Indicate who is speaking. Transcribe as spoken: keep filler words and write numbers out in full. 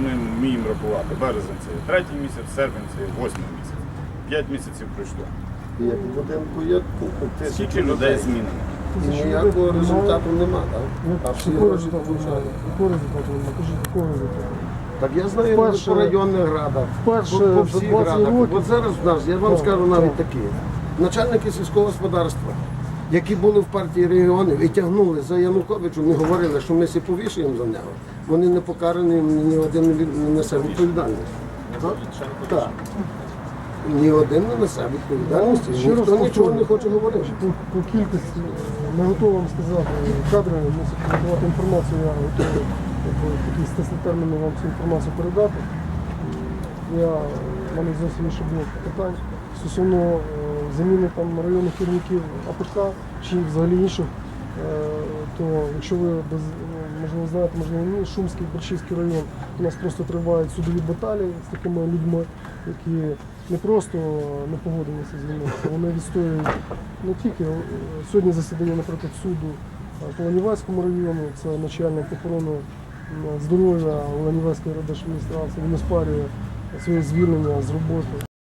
Speaker 1: ми вміємо рахувати. Березень це є третій місяць, серпень це є восьмий місяць. П'ять місяців пройшло.
Speaker 2: І як в будинку є купу тисячі
Speaker 1: Скільки людей змінено?
Speaker 2: І ніякого результату нема, так? А всі
Speaker 3: Якого
Speaker 2: гроші
Speaker 3: результату немає?
Speaker 2: получають.
Speaker 3: Якого результату немає? Кажіть, якого результату?
Speaker 2: Так я знаю
Speaker 3: Вперше-
Speaker 2: по районних радах,
Speaker 3: вперше
Speaker 2: по, по
Speaker 3: за
Speaker 2: всіх
Speaker 3: двадцять
Speaker 2: радах.
Speaker 3: років.
Speaker 2: От зараз в нас, я вам
Speaker 3: Так,
Speaker 2: скажу навіть
Speaker 3: так.
Speaker 2: такі, начальники сільського господарства, які були в партії регіонів і тягнули за Януковичем, не говорили, що ми всі повішуємо за нього. Вони не покарані, ні один не від- не несе відповідальність. Так? Так. Ні один не несе відповідальності,
Speaker 3: Ну, ще раз
Speaker 2: ніхто нічого
Speaker 3: повторюю.
Speaker 2: не хоче говорити.
Speaker 3: По, по кількості е, не готовий вам сказати. Кадри мусять надавати інформацію, я готовий якби, в такі стислі терміни вам цю інформацію передати. Я, в мене зовсім інший блок питань. Стосовно е, заміни там районних керівників АПК чи взагалі інших, е, то якщо ви без, ну, можливо знаєте, можливо ні, Шумський, Борщівський район, у нас просто тривають судові баталії з такими людьми, які не просто не погодилися з війною, а вони відстоюють не тільки е, сьогодні засідання, наприклад, суду е, по Ланівецькому району, це начальник охорони е, здоров'я Ланівецької райдержадміністрації, він оспарює своє звільнення з роботи.